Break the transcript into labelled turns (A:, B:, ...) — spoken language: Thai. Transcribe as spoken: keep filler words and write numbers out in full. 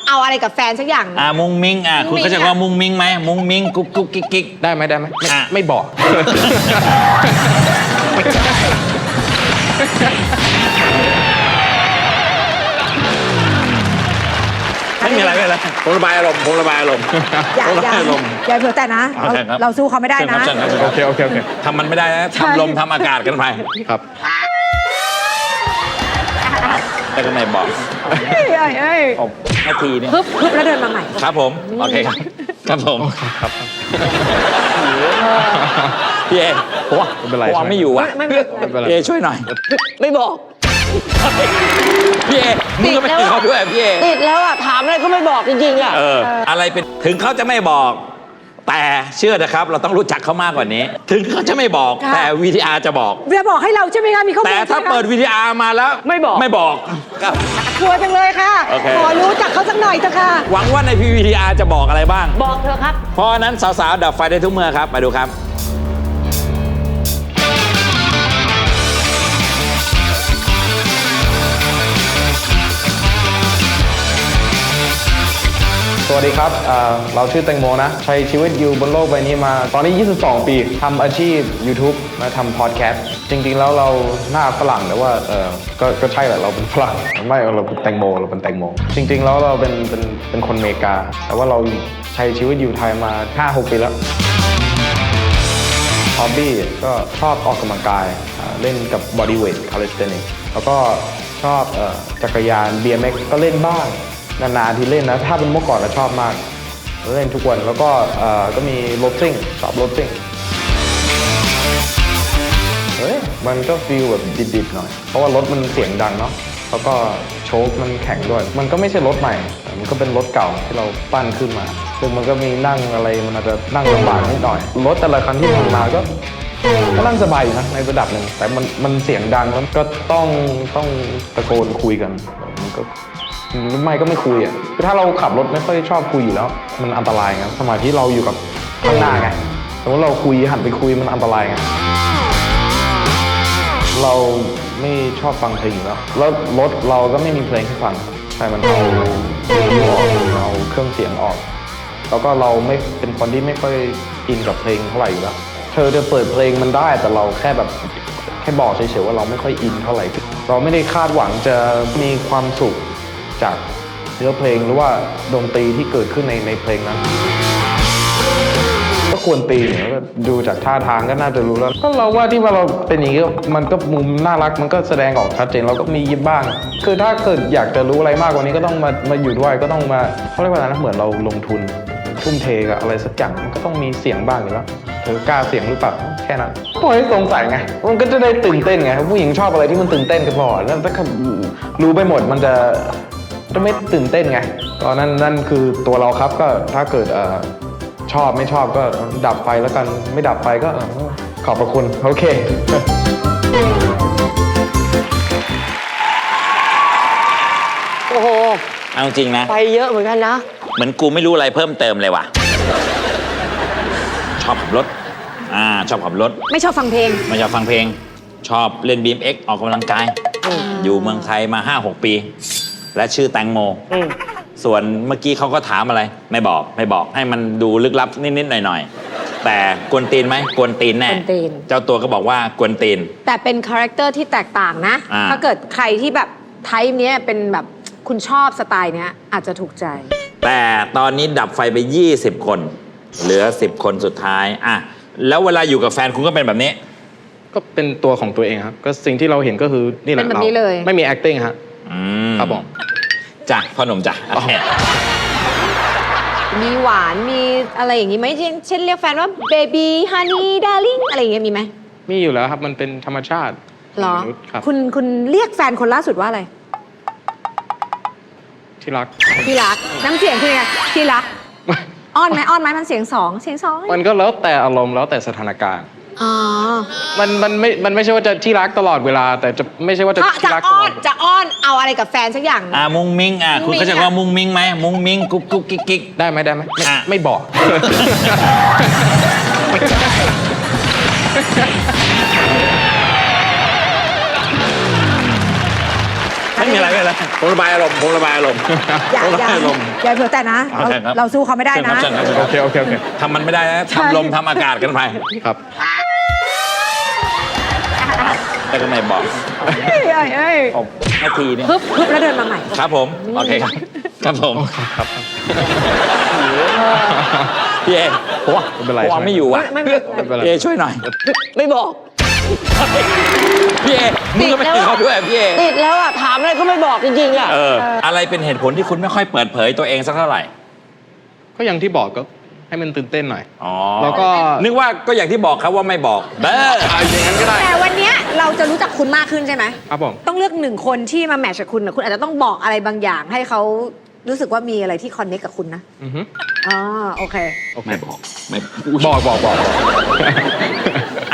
A: เอาอะไรกับแฟนสักอย่าง
B: อ่ามุ้งมิ้งอ่าคุณเข้าใจว่ามุ้งมิ้งไหมมุ้งมิ้งกุ๊กกุ๊กกิ๊กกิ๊ก
C: ได้ไหมได้ไหมไม่ไม่บอก
B: ไม่มีอะไรไม่มีอะไรผมระบายอารมณ์ผมระบายอารมณ์
A: อย่าอย่าอย่าเผื่อแต่นะเราสู้เขาไม่ได้นะ
C: โอเคโอเคโอเค
B: ทำมันไม่ได้นะทำลมทำอากาศกันไป
C: ครับ
B: แต่ก็ไม่บอก
A: เอ้ยเอ้ย
B: นาทีนี้
A: ฮึบฮึบแล้วเดินมาใหม่
B: ครับผมโอเคครับครับผมครับพี่เอผมว่าผมไม่อยู่อ่ะพี่เอช่วยหน่อย
D: ไม่บอก
B: พี่เอมึงก็ไม่ติดเขาด้วยพี่เอ
D: ติดแล้วอ่ะถามอะไรก็ไม่บอกจริงๆอ่ะ
B: เอออะไรเป็นถึงเขาจะไม่บอกแต่เชื่อนะครับเราต้องรู้จักเขามากกว่านี้ถึงเขาจะไม่บอกแต่วีทีอาร์จะบอก
A: จะบอกให้เราใช่ไหมคะมีข้อมูล
B: แต่ถ้าเปิดวีทีอาร์มาแล้ว
D: ไม่บอก
B: ไม่บอก
A: ครับกลัวจังเลยค่ะขอรู้จักเขาสักหน่อยเถอะค่ะ
B: หวังว่าในพีวีทีอาร์จะบอกอะไรบ้าง
D: บอกเถอะครับ
B: เพราะนั้นสาวๆดับไฟได้ทุกเมื่อครับมาดูครับ
C: สวัสดีครับเราชื่อแตงโมนะใช้ชีวิตอยู่บนโลกใบนี้มาตอนนี้ยี่สิบสองปีทำอาชีพ YouTube และทำพอดแคสต์จริงๆแล้วเราหน้าฝรั่งแต่ว่าเออก็ก็ใช่แหละเราเป็นฝรั่งไม่เราเป็นแตงโมเราเป็นแตงโมจริงๆแล้วเราเป็นเป็นเป็นคนอเมริกาแต่ว่าเราใช้ชีวิตอยู่ไทยมา ห้าหก ปีแล้วฮอบบี้ก็ชอบออกกำลังกายเล่นกับบอดี้เวทคาลิสเทนิกแล้วก็ชอบจักรยาน บี เอ็ม เอ็กซ์ ก็เล่นบ้างนานๆที่เล่นนะถ้าเป็นเมื่อก่อนเราชอบมากเล่นทุกวันแล้วก็ก็มีรถซิ่งชอบรถซิ่งเฮ้ยมันก็ฟีลแบบดิบๆหน่อยเพราะว่ารถมันเสียงดังเนาะแล้วก็โชคมันแข็งด้วยมันก็ไม่ใช่รถใหม่มันก็เป็นรถเก่าที่เราปั้นขึ้นมาซึ่งมันก็มีนั่งอะไรมันอาจจะนั่งลำบากนิดหน่อยรถแต่ละคันที่ผ่านมาก็ก็นั่งสบายอยู่นะในระดับหนึ่งแต่มันมันเสียงดังแล้วก็ต้องต้องตะโกนคุยกันมันก็ไม่ก็ไม่คุยอ่ะคือถ้าเราขับรถไม่ค่อยชอบคุยอยู่แล้วมันอันตรายไงสมาธิเราอยู่กับข้างหน้าไงสมมติเราคุยหันไปคุยมันอันตรายไงเราไม่ชอบฟังเพลงอยู่แล้วแล้วรถเราก็ไม่มีเพลงให้ฟังใช่มันเอาออกเอาเครื่องเสียงออกแล้วก็เราไม่เป็นคนที่ไม่ค่อยอินกับเพลงเท่าไหร่อยู่แล้วเธอจะเปิดเพลงมันได้แต่เราแค่แบบแค่บอกเฉยๆว่าเราไม่ค่อยอินเท่าไหร่เราไม่ได้คาดหวังจะมีความสุขจากเนื้อเพลงหรือว่าดนตรีที่เกิดขึ้นในในเพลงนั้นก็ควรตีเนี่ยดูจากท่าทางก็น่าจะรู้แล้วก็เราว่าที่ว่าเราเป็นอย่างนี้มันก็มุมน่ารักมันก็แสดงออกชัดเจนเราก็มียิ้มบ้างคือถ้าเกิดอยากจะรู้อะไรมากกว่านี้ก็ต้องมามาอยู่ด้วยก็ต้องมาเขาเรียกว่าอะไรนะเหมือนเราลงทุนทุ่มเทกับอะไรสักอย่างมันก็ต้องมีเสียงบ้างอยู่แล้วเธอกล้าเสียงหรือเปล่าแค่นั้นปล่อยให้สงสัยไงมันก็จะได้ตื่นเต้นไงผู้หญิงชอบอะไรที่มันตื่นเต้นก็พอแล้วถ้ารู้ไปหมดมันจะจะไม่ตื่นเต้นไงตอนนั้นนั่นคือตัวเราครับก็ถ้าเกิดเอ่อชอบไม่ชอบก็ดับไฟแล้วกันไม่ดับไฟก็ขอบพระคุณโอเค
D: โอ้โห
B: เอาจริงนะ
D: ไปเยอะเหมือนกันนะ
B: เหมือนกูไม่รู้อะไรเพิ่มเติมเลยว่ะชอบขับรถอ่าชอบขับรถ
A: ไม่ชอบฟังเพลง
B: ไม่ชอบฟังเพลงชอบเล่น บี เอ็ม เอ็กซ์ ออกกำลังกายอยู่เมืองไทยมา ห้าหก ปีและชื่อแตงโมส่วนเมื่อกี้เขาก็ถามอะไรไม่บอกไม่บอกให้มันดูลึกลับนิดๆหน่อยๆแต่กวนตีนไหมกวนตีนแน่เจ้าตัวก็บอกว่ากวนตีน
A: แต่เป็นคาแรคเตอร์ที่แตกต่างนะถ้าเกิดใครที่แบบไทป์นี้เป็นแบบคุณชอบสไตล์นี้อาจจะถูกใจ
B: แต่ตอนนี้ดับไฟไปยี่สิบคนเหลือสิบคนสุดท้ายอ่ะแล้วเวลาอยู่กับแฟนคุณก็เป็นแบบนี้
C: ก็เป็นตัวของตัวเองครับก็สิ่งที่เราเห็นก็คือนี่แหละเราไม่มี acting ฮะครับผม
B: จ้ะพ่อหนุ่มจ้ะ
A: มีหวานมีอะไรอย่างนี้ไหมเช่นเรียกแฟนว่าเบบี้ฮันนี่ดาร์ลิงอะไรอย่างเงี้ยมีไหม
C: มีอยู่แล้วครับมันเป็นธรรมชาติ
A: หรอคุณคุณเรียกแฟนคนล่าสุดว่าอะไร
C: ที่รัก
A: ที่รักน้ำเสียงคือไงที่รักอ้อนไหมอ้อนไหมมันเสียงสองเสียงสอง
C: มันก็แล้วแต่อารมณ์แล้วแต่สถานการณ์
A: อ๋อ
C: มันมันไม่มันไม่ใช่ว่าจะที่รักตลอดเวลาแต่จะไม่ใช่ว่าจะที่รักตลอด
A: จะอ้อนเอาอะไรกับแฟนสักอย่าง
B: อ่ามุ้งมิ้งอ่าคุณเข้าใจว่ามุ้งมิ้งไหมมุ้งมิ้งกุ๊กกุ๊กกิ๊กกิ๊ก
C: ได้ไหมได้ไหมไม่บอก
B: ไม่มีอะไรไม่มีอะไรผมระบายอารมณ์ผมระบายอารมณ์
A: อย่า
B: ผมระ
A: อย่า
B: บายอารมณ์
A: อย่าเผื่อแต่นะ
B: โอ
A: เรา
B: เคครับ
A: เราสู้เขาไม่ได้นะ
B: เชิญครับเชิญครับ
C: โอเคโอเคโอเค
B: ทำมันไม่ได้นะ
A: ใช่
B: ทำลมทำอากาศกันไป
C: ครับ
B: แล้วก็ไม่บอก
A: เอ้ยเอ้ยเอ้ย
B: ผมนาทีนี้
A: ฮึบฮึบแล้วเดินมาใหม่
B: ครับผม โอเคครับ ครับผม
C: ครับ
B: พี่เอผมว่า
C: ไม่เป็นไร
B: ผมว่าไม่อยู่อ่ะ
A: ไม่ไม่ไม่เป็นไร
B: พี่เอช่วยหน่อย
D: ไม่บอก
B: พี่เอมึงก็ไม่ติดเขาด้วยพี่เอ
D: ติดแล้วอ่ะ ถามอะไรก็ไม่บอกจริงๆอ่ะ
B: เออ อะไรเป็นเหตุผลที่คุณไม่ค่อยเปิดเผยตัวเองสักเท่าไหร่
C: ก็อย่างที่บอกก็ให้มันตื่นเต้นหน่อย
B: อ๋อ
C: แล้วก็
B: นึกว่าก็อย่างที่บอกครับว่าไม่บอกเด้อเอาอย่างนั้นก็ได้
A: แต่วันเนี้ยเราจะรู้จักคุณมากขึ้นใช่ไหม
C: ครับผม
A: ต้องเลือกหนึ่งคนที่มาแมทช์กับคุณนะคุณอาจจะต้องบอกอะไรบางอย่าง ให้เขารู้สึกว่ามีอะไรที่คอนเนคกับคุณนะ
C: อือฮึ
A: อ๋อโอเค
C: โอเค
B: ไม่บอก ไม่
C: บอกบอกบอก